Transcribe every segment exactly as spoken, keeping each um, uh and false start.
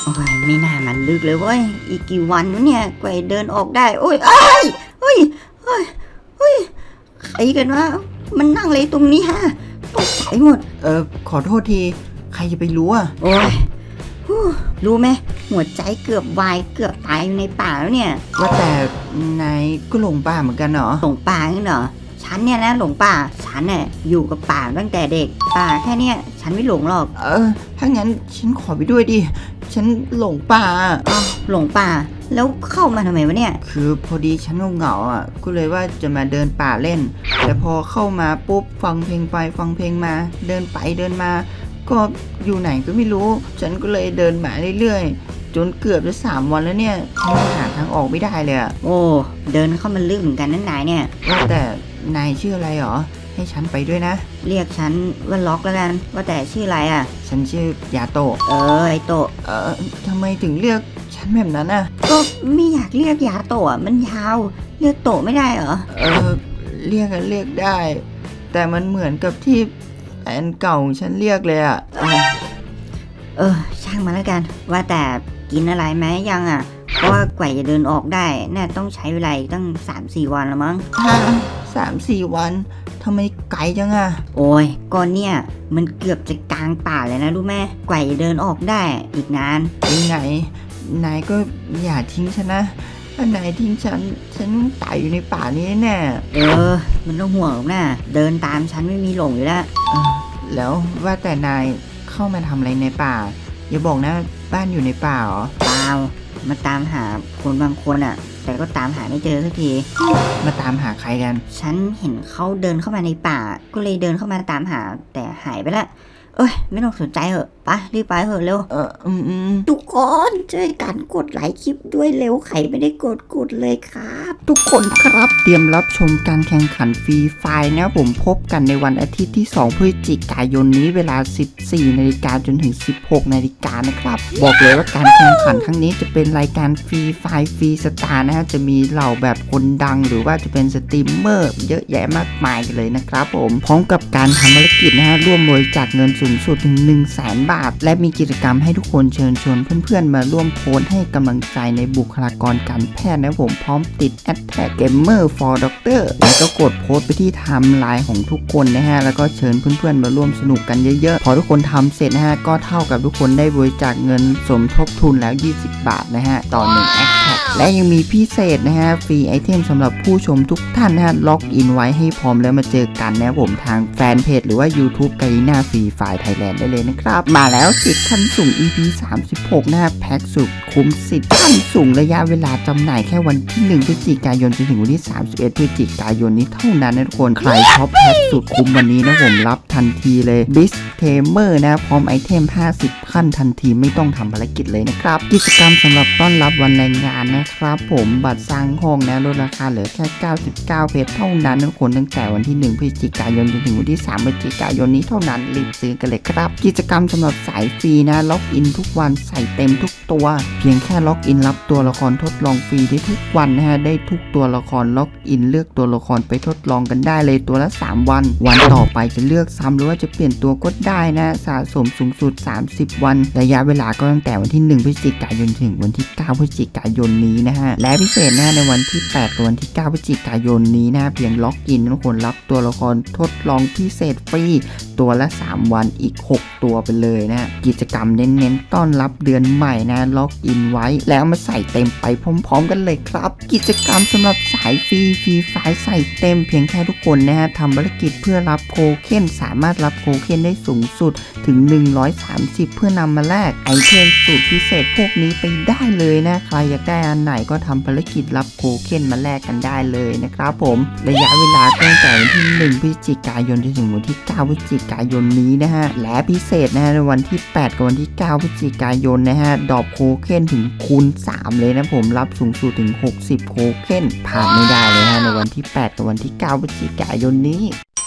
โอ้ยไม่น่ามันลึกเลยเว้ยอีกกี่วันวะเนี่ยกว่าจะเดินออกได้โอ้ยเอ้ยเฮ้ยเฮ้ยเฮ้ยใครกันวะมันนั่งเลยตรงนี้ฮะตกใจหมดเออขอโทษทีใครจะไปรู้อ่ะโอ้ยรู้ไหมหัวใจเกือบวายเกือบตายอยู่ในป่าแล้วเนี่ยว่าแต่นายก็หลงป่าเหมือนกันเหรอหลงป่าเหรอฉันเนี่ยนะหลงป่าฉันเนี่ยอยู่กับป่าตั้งแต่เด็กป่าแค่เนี้ยฉันไม่หลงหรอกเออถ้างั้นฉันขอไปด้วยดิฉันหลงป่าอ๋อหลงป่าแล้วเข้ามาทำไมวะเนี่ยคือพอดีฉันเหงาๆอ่ะก็เลยว่าจะมาเดินป่าเล่นแต่พอเข้ามาปุ๊บฟังเพลงไปฟังเพลงมาเดินไปเดินมาก็อยู่ไหนก็ไม่รู้ฉันก็เลยเดินมาเรื่อยๆจนเกือบจะสามวันแล้วเนี่ยฉันหาทางออกไม่ได้เลยอ่ะโอ้เดินเข้ามาลึกเหมือนกันนั่นนายเนี่ยว่าแต่นายชื่ออะไรหรอให้ฉันไปด้วยนะเรียกฉันว่าล็อกแล้วกันว่าแต่ชื่ออะไรอ่ะฉันชื่อยาโตะเออไอโตะเออทำไมถึงเรียกฉันแบบนั้นอ่ะก็ไม่อยากเรียกยาโตะมันยาวเรียกโตะไม่ได้เหรอเออเรียกกันเรียกได้แต่มันเหมือนกับที่แฟนเก่าฉันเรียกเลยอ่ะเออเออช่างมาแล้วกันว่าแต่กินอะไรไหมยังอ่ะเพราะว่ากว่าจะเดินออกได้น่าต้องใช้เวลาตั้ง สามถึงสี่ วันละมั้งสามสี่วันทำไมไกลจังอ่ะโอ้ยก่อนเนี่ยมันเกือบจะกลางป่าเลยนะรู้ไหมกว่าจะเดินออกได้อีกนานยังไงนายก็อย่าทิ้งฉันนะถ้านายทิ้งฉันฉันตายอยู่ในป่านี้แน่เออมันต้องห่วงนะเดินตามฉันไม่มีหลงอยู่แล้วแล้วว่าแต่นายเข้ามาทำอะไรในป่าอย่าบอกนะบ้านอยู่ในป่าเหรอเปล่ามาตามหาคนบางคนอ่ะแต่ก็ตามหาไม่เจอสักทีมาตามหาใครกันฉันเห็นเขาเดินเข้ามาในป่าก็เลยเดินเข้ามาตามหาแต่หายไปละเอ้ยไม่ต้องสนใจเหอะไปรีบไปเหอะเร็วเอออืมอืมทุกคนช่วยกันกดไลค์คลิปด้วยเร็วใครไม่ได้กดกดเลยครับทุกคนครับเตรียมรับชมการแข่งขันฟรีไฟล์นะผมพบกันในวันอาทิตย์ที่สองพฤศจิกายนนี้เวลา สิบสี่นาฬิกาจนถึง สิบหกนาฬิกานะครับบอกเลยว่าการแข่งขันครั้งนี้จะเป็นรายการฟรีไฟล์ฟรีสตาร์นะฮะจะมีเหล่าแบบคนดังหรือว่าจะเป็นสตรีมเมอร์เยอะแยะมากมายเลยนะครับผมพร้อมกับการทำภารกิจนะฮะร่วมบริจาคเงินสูงสุดถึง หนึ่งแสน บาทและมีกิจกรรมให้ทุกคนเชิญชวนเพื่อนๆมาร่วมโพสต์ให้กำลังใจในบุคลากรการแพทย์นะผมพร้อมติด แฮชแท็ก เกมเมอร์ ฟอร์ ด็อกเตอร์ แล้วก็กดโพสต์ไปที่ไทม์ไลน์ของทุกคนนะฮะแล้วก็เชิญเพื่อนๆมาร่วมสนุกกันเยอะๆพอทุกคนทำเสร็จนะฮะก็เท่ากับทุกคนได้บริจาคเงินสมทบทุนแล้วยี่สิบบาทนะฮะต่อหนึ่งแอคแท็กและยังมีพิเศษนะฮะฟรีไอเทมสำหรับผู้ชมทุกท่านนะฮะล็อกอินไว้ให้พร้อมแล้วมาเจอกันนะผมทางแฟนเพจหรือว่า YouTube กาลิน่าฟรีไฟล์ไทยแลนด์ได้เลยนะครับมาแล้วสิทธิ์ขั้นสูง อี พี สามสิบหกนะฮะแพ็คสุดคุ้มสิทธิ์ขั้นสูงระยะเวลาจำหน่ายแค่วันที่หนึ่งพฤศจิกายนจนถึงวันที่สามสิบเอ็ดพฤศจิกายนนี้เท่านั้นนะทุกคนใครช็อปแพ็คสุดคุ้มวันนี้นะผมรับทันทีเลยบิสเทเมอร์นะพร้อมไอเทมห้าสิบขั้นทันทีไม่ต้องทำภารกิจเลยนะครับกิจกรรมสำหรับต้อนรับวันแรงงานนะครับผมบัตรสร้างห้องนะลดราคาเหลือแค่เก้าสิบเก้าเพชรเท่านั้นทุกคนตั้งแต่วันที่หนึ่งพฤศจิกายนจนถึงวันที่สามพฤศจิกายนนี้เท่านั้นรีบซื้อกันเลยครับกิจกรรมสำหรับสายฟรีนะล็อกอินทุกวันใส่เต็มทุกตัวเพียงแค่ล็อกอินรับตัวละครทดลองฟรีได้ทุกวันนะฮะได้ทุกตัวละครล็อกอินเลือกตัวละครไปทดลองกันได้เลยตัวละสามวันวันต่อไปจะเลือกซ้ำหรือว่าจะเปลี่ยนตัวก็ได้นะสะสมสูงสุดสามสิบวันระยะเวลาก็ตั้งแต่วันที่หนึ่งพฤศจิกายนถึงวันที่เก้าพฤศจิกายนนี้นะฮะและพิเศษนะในวันที่แปดกับวันที่เก้าพฤศจิกายนนี้นะเพียงล็อกอินทุกคนรับตัวละครทดลองพิเศษฟรีตัวละสามวันอีกหกตัวไปเลยนะกิจกรรมเน้นๆต้อนรับเดือนใหม่นะล็อกอินไว้แล้วมาใส่เต็มไปพร้อมๆกันเลยครับกิจกรรมสำหรับสายฟรีฟรีไฟล์ใส่เต็มเพียงแค่ทุกคนนะฮะทำภารกิจเพื่อรับโคเคนสามารถรับโคเคนได้สูงสุดถึงหนึ่งร้อยสามสิบเพื่อนำมาแลกไอเทมสูตรพิเศษพวกนี้ไปได้เลยนะใครอยากได้อันไหนก็ทำภารกิจรับโคเคนมาแลกกันได้เลยนะครับผมระยะเวลาตั้งแต่วันที่หนึ่งพฤศจิกายนจนถึงวันที่เก้าพฤศจิกายนนี้นะฮะและพิเศษนะฮะในวันที่แปดกับวันที่เก้าพฤศจิกายนนะฮะดรอปโคเคนถึงคูณสามเลยนะผมรับสูงสุดถึงหกสิบโคเคนผ่านไม่ได้เลยฮะในวันที่แปดกับวันที่เก้าพฤศจิกายนนี้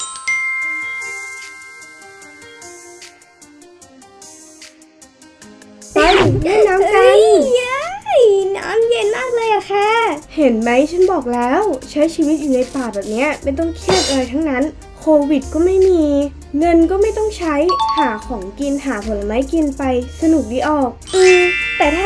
ไปเล่นน้ำกันเย้น้ำเย็นมากเลยอะค่ะเห็นไหมฉันบอกแล้วใช้ชีวิตอยู่ในป่าแบบนี้ไม่ต้องเครียดอะไรทั้งนั้นโควิดก็ไม่มีเงินก็ไม่ต้องใช้หาของกินหาผลไม้กินไปสนุกดีออกอืมแต่ถ้า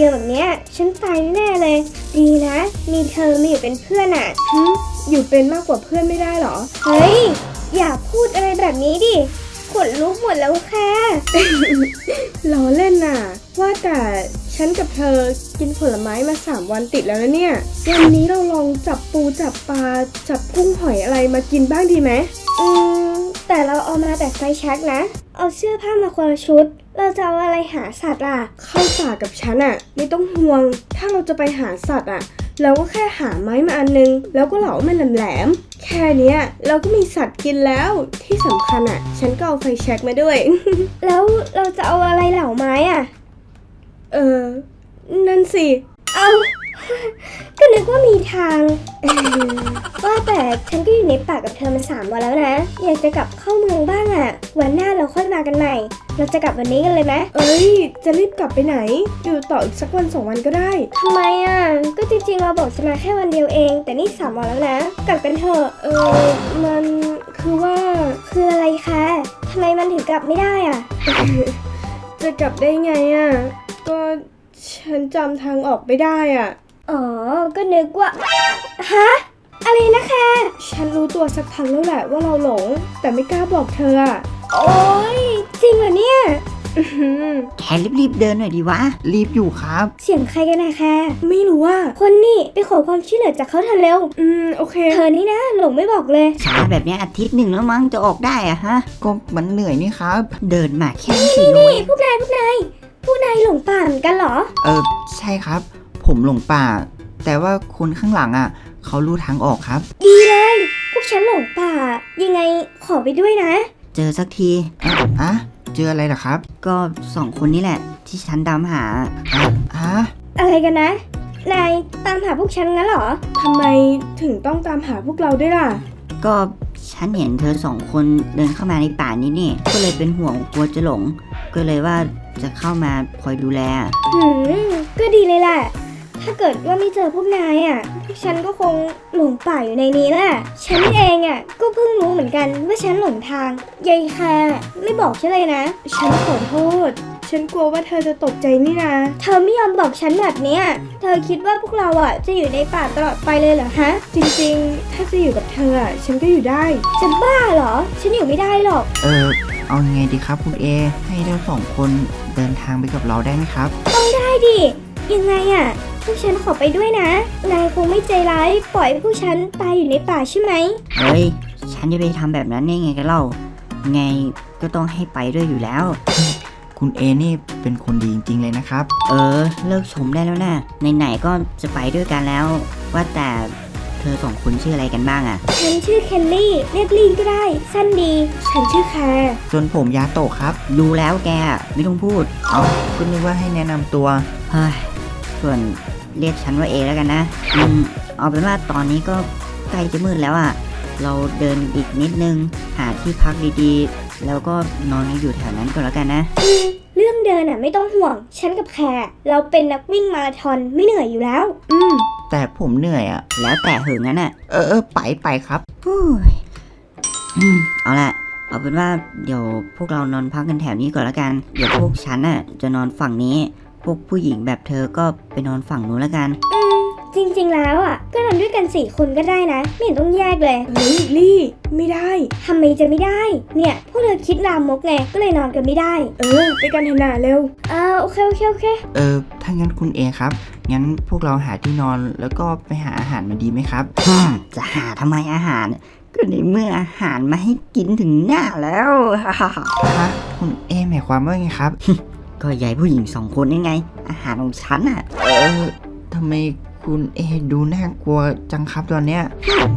ดียวแบบเนี้ยฉันตายแน่เลย ดีนะ มีเธอมาอยู่เป็นเพื่อนอ่ะหึอยู่เป็นมากกว่าเพื่อนไม่ได้หรอ เฮ้ย อย่าพูดอะไรแบบนี้ดิขนลุกหมดแล้วค่ะ ล้อเล่นน่ะ ว่าแต่ฉันกับเธอกินผลไม้มาสามวันติดแล้วนะเนี่ยวันนี้เราลองจับปูจับปลาจับกุ้งหอยอะไรมากินบ้างดีไหมอืมแต่เราเอามาแต่ไฟแช็กนะ เอาเสื้อผ้ามาคนละชุด เราจะเอาอะไรหาสัตว์ล่ะ เข้าป่ากับฉันอะไม่ต้องห่วง ถ้าเราจะไปหาสัตว์อะเราก็แค่หาไม้มาอันนึง แล้วก็เหลามันแหลมๆแค่เนี้ยเราก็มีสัตว์กินแล้ว ที่สำคัญอะฉันก็เอาไฟแช็กมาด้วย แล้วเราจะเอาอะไรเหลาไม้อะเออ นั่นสิ เอา ก็นึกว่ามีทาง เออว่าแต่ฉันก็อยู่ในป่ากับเธอมาสามวันแล้วนะ อยากจะกลับเข้าเมืองบ้างอะวันหน้าเราค่อยมากันใหม่ เราจะกลับวันนี้กันเลยไหมเอ้ย จะรีบกลับไปไหน อยู่ต่ออีกสักวันสองวันก็ได้ทำไมอะก็จริงๆเราบอกจะมาแค่วันเดียวเอง แต่นี่สามวันแล้วนะ กลับกันเถอะ เออ มันคือว่า คืออะไรคะทำไมมันถึงกลับไม่ได้อะ จะกลับได้ไงอะก็ฉันจำทางออกไม่ได้อ่ะ อ๋อ ก็นึกว่า ฮะ อะไรนะคะ ฉันรู้ตัวสักพักแล้วแหละว่าเราหลง แต่ไม่กล้าบอกเธออ่ะ โอ๊ย จริงเหรอเนี่ย อื้อหือแกรีบๆเดินหน่อยดีวะรีบอยู่ครับเสียงใครกันนะคะ ไม่รู้ว่า คนนี่ไปขอความช่วยเหลือจากเขาเธอเร็ว อืม โอเค เธอนี่นะ หลงไม่บอกเลยช้าแบบเนี้ยอาทิตย์หนึ่งแล้วมั้งจะออกได้อะฮะก็มันเหนื่อยนี่ครับเดินมาแค่สี่โลนี่พวกนายพวกนายพวกนายหลงป่าเหมือนกันเหรอเออใช่ครับ ผมหลงป่า แต่ว่าคนข้างหลังอ่ะเขารู้ทางออกครับดีเลย พวกฉันหลงป่า ยังไงขอไปด้วยนะเจอสักทีอะเจออะไรเหรอครับก็สองคนนี้แหละ ที่ฉันตามหาฮะอะไรกันนะ นายตามหาพวกฉันงั้นเหรอ ทำไมถึงต้องตามหาพวกเราด้วยล่ะก็ฉันเห็นเธอสองคนเดินเข้ามาในป่านี้นี่ ก็เลยเป็นห่วงกลัวจะหลง ก็เลยว่าจะเข้ามาคอยดูแลหืม ก็ดีเลยแหละ ถ้าเกิดว่าไม่เจอพวกนายอ่ะ พวกฉันก็คงหลงป่าอยู่ในนี้แหละ ฉันเองอ่ะ ก็เพิ่งรู้เหมือนกันว่าฉันหลงทาง ยายแคร์ไม่บอกฉันเลยนะ ฉันขอโทษ ฉันกลัวว่าเธอจะตกใจนี่นะ เธอไม่ยอมบอกฉันแบบเนี้ย เธอคิดว่าพวกเราอ่ะจะอยู่ในป่าตลอดไปเลยเหรอฮะ จริงๆ ถ้าจะอยู่กับเธออ่ะ ฉันก็อยู่ได้ จะบ้าเหรอ ฉันอยู่ไม่ได้หรอกเออเอายังไงดีครับคุณเอ ให้เราสองคนเดินทางไปกับเราได้ไหมครับได้ดิ ยังไงอ่ะ พวกฉันขอไปด้วยนะ นายคงไม่ใจร้ายปล่อยให้พวกฉันตายอยู่ในป่าใช่ไหมเฮ้ย ฉันจะไปทำแบบนั้นได้ไงกันเล่า ไงก็ต้องให้ไปด้วยอยู่แล้วคุณเอนี่เป็นคนดีจริงๆเลยนะครับเออ เลิกชมได้แล้วนะไหนๆก็จะไปด้วยกันแล้ว ว่าแต่เธอสองคนชื่ออะไรกันบ้างอะฉันชื่อเคนลี่ เรียกลีนก็ได้ สั้นดี ฉันชื่อแคร์ส่วนผมยาโตะครับดูแล้วแกไม่ต้องพูดเอาคุณนึกว่าให้แนะนำตัวเฮ้ย ส่วนเรียกฉันว่าเอแล้วกันนะ อืม เอาเป็นว่าตอนนี้ก็ใกล้จะมืดแล้วอะเราเดินอีกนิดนึง หาที่พักดีๆ แล้วก็นอนอยู่แถวนั้นก็แล้วกันนะอืม เรื่องเดินอ่ะไม่ต้องห่วง ฉันกับแคร์เราเป็นนักวิ่งมาราธอนไม่เหนื่อยอยู่แล้ว อืมแต่ผมเหนื่อยอ่ะแล้วแต่เหอะงั้นอะเออเออไปไปครับฮู้ยอืม เอาละเอาเป็นว่าเดี๋ยวพวกเรานอนพักกันแถวนี้ก่อนแล้วกัน เดี๋ยวพวกฉันน่ะจะนอนฝั่งนี้ พวกผู้หญิงแบบเธอก็ไปนอนฝั่งนู้นแล้วกันอืม จริงๆแล้วอ่ะ ก็นอนด้วยกันสี่คนก็ได้นะ ไม่เห็นต้องแยกเลยเฮ้ยลี่ไม่ได้ทำไมจะไม่ได้ เนี่ยพวกเธอคิดลามกไง ก็เลยนอนกันไม่ได้เออ ไปกันเถอะนาเร็วอ่าโอเคโอเคโอเคเออถ้างั้นคุณเอครับ งั้นพวกเราหาที่นอนแล้วก็ไปหาอาหารมาดีไหมครับฮ่าจะหาทำไมอาหาร ก็ในเมื่ออาหารมาให้กินถึงหน้าแล้ว ฮ่าฮ่าฮ่าฮะ คุณเอหมายความว่าไงครับก็ยายผู้หญิงสองคนนี่ไง อาหารของฉันอ่ะเออทำไมคุณเอดูน่ากลัวจังครับตอนเนี้ย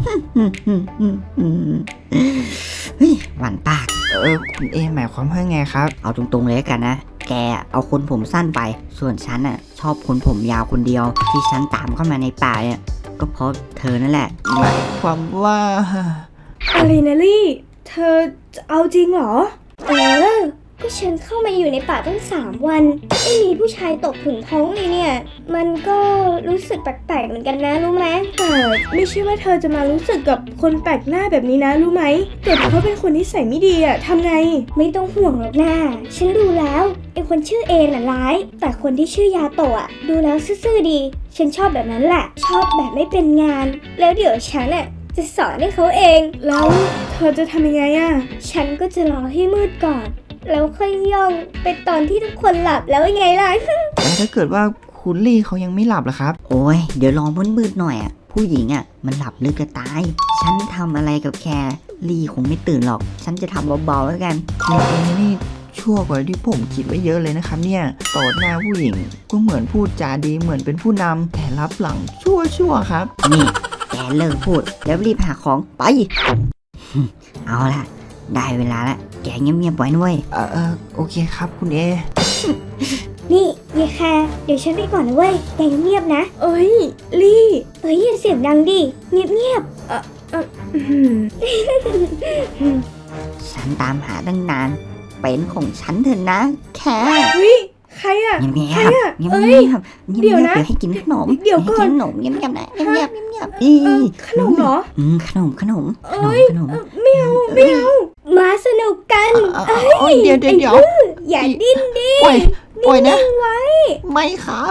เฮ้ยหวานปากเออคุณเอหมายความว่าไงครับเอาตรงๆเลยละกันนะ แกเอาคนผมสั้นไป ส่วนฉันน่ะชอบคนผมยาวคนเดียว ที่ฉันตามเข้ามาในป่าเนี่ย ก็เพราะเธอนั่นแหละหมายความว่าอะไรนะลี่ เธอจะเอาจริงเหรอเออก็ฉันเข้ามาอยู่ในป่าตั้งสามวันไม่มีผู้ชายตกถึงท้องเลยเนี่ยมันก็รู้สึกแปลกๆเหมือนกันนะรู้ไหมแต่ไม่ใช่ว่าเธอจะมารู้สึกกับคนแปลกหน้าแบบนี้นะรู้ไหมแต่เขาเป็นคนที่ใส่ไม่ดีอะทำไงไม่ต้องห่วงหรอกนะฉันดูแล้วไอ้คนชื่อเอน่ะร้ายแต่คนที่ชื่อยาโตะดูแล้วซื่อๆดีฉันชอบแบบนั้นแหละชอบแบบไม่เป็นงานแล้วเดี๋ยวฉันอ่ะจะสอนให้เขาเองแล้วเธอจะทำยังไงอะฉันก็จะรอให้มืดก่อนแล้วค่อยย่องไปตอนที่ทุกคนหลับแล้วยังไงล่ะแต่ถ้าเกิดว่าคุณลี่เขายังไม่หลับล่ะครับโอ้ยเดี๋ยวลองมืดๆหน่อยอ่ะผู้หญิงอ่ะมันหลับลึกจะตาย ฉันทำอะไรกับแคลี่คงไม่ตื่นหรอก ฉันจะทำเบาๆแล้วกันคุณเอนี่ชั่วกว่าที่ผมคิดไว้เยอะเลยนะครับเนี่ยต่อหน้าผู้หญิงก็เหมือนพูดจาดีเหมือนเป็นผู้นำแต่รับหลังชั่วชั่วๆครับนี่แกเลิกพูดแล้วรีบหาของไป เอาละได้เวลาละแกเงียบๆไว้ด้วยเออเออโอเคครับคุณเอนี่ยายแคร์เดี๋ยวฉันไปก่อนนะเว้ยแกเงียบๆนะเอ้ยลี่เอ้ยอย่าเสียงดังดิเงียบอื้อหือฉันตามหาตั้งนานเป็นของฉันเถอะนะแค่เฮ้ยใครอะเงียบๆใครอะเงียบเอ้ๆเงียยบๆเงียบๆเดี๋ยวนะเดี๋ยวให้กินขนมเดี๋ยวก่อนให้กินขนมเงียบๆนะเงียบๆเงียบๆอีเออขนมเหรออืมขนมขนมขนมเอ้ยขนมเออไม่เอาไม่เอาๆมาสนุกกันเอ่อเอ้ยเดี๋ยวเดี๋ยวเดี๋ยวอย่าดิ้นดิปล่อยปล่อยนะไว้ไม่ครับ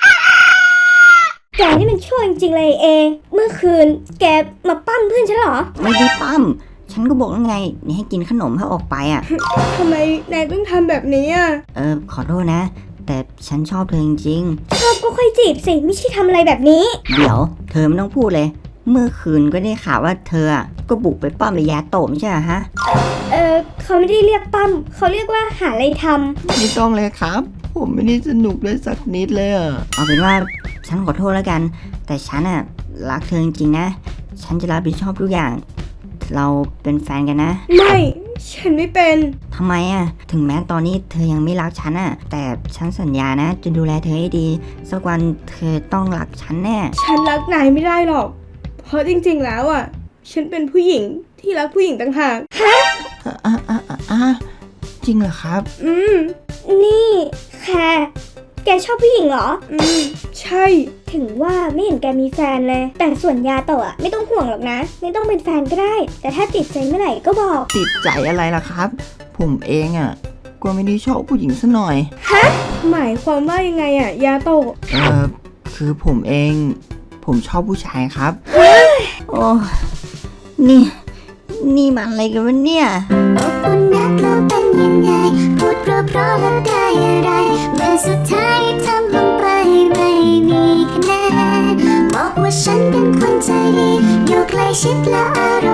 แกนี่มันชั่วจริงๆเลยเอ เมื่อคืนแกมาปั้มเพื่อนฉันเหรอไม่ได้ปั้มฉันก็บอกแล้วไงนี่ให้กินขนมให้ออกไปอ่ะทำไมนายต้องทำแบบนี้อะเออขอโทษนะ แต่ฉันชอบเธอจริงชอบก็ค่อยจีบสิ ไม่ใช่ทำอะไรแบบนี้ๆเดี๋ยวเธอไม่ต้องพูดเลย เมื่อคืนก็ได้ข่าวว่าเธออะก็บุกไปป้อมระยะโตะไม่ใช่เหรอฮะเออเขาไม่ได้เรียกปั้ม เขาเรียกว่าหาอะไรทไม่ต้องเลยครับ ผมไม่ได้สนุกเลยสักนิดเลยอะเอาเป็นว่าฉันขอโทษแล้วกัน แต่ฉันอะรักเธอจริงๆนะ ฉันจะรับผิดชอบทุกอย่าง เราเป็นแฟนกันนะไม่ฉันไม่เป็นทำไมอะถึงแม้ตอนนี้เธอยังไม่รักฉันอะแต่ฉันสัญญานะจะดูแลเธอให้ดี สักวันเธอต้องรักฉันแน่ฉันรักนายไม่ได้หรอก เพราะจริงๆแล้วอ่ะ ฉันเป็นผู้หญิงที่รักผู้หญิงต่างหากอ่ะอ่ะอ่ะอ่ะอ่ะจริงเหรอครับอืมำนี่แคร์แกชอบผู้หญิงเหรออืม ใช่ถึงว่าไม่เห็นแกมีแฟนเลย แต่ส่วนยาโตะอะไม่ต้องห่วงหรอกนะ ไม่ต้องเป็นแฟนก็ได้ แต่ถ้าติดใจเมื่อไหร่ก็บอกติดใจอะไรล่ะครับ ผมเองอ่ะก็ไม่ได้ชอบผู้หญิงซะหน่อยหมายความว่ายังไงอ่ะ ยาโตะเออคือผมเอง ผมชอบผู้ชายครับโอ้นี่ นี่มันอะไรกันวะเนี่ยอบอุ่นนักแล้วเป็นยังไง พูดเพราะๆแล้วได้อะไร เมื่อสุดท้ายทำลงไปไม่มีคะแนนบอกว่าฉันเป็นคนใจดี อยู่ใกล้ชิดแล้วอะไร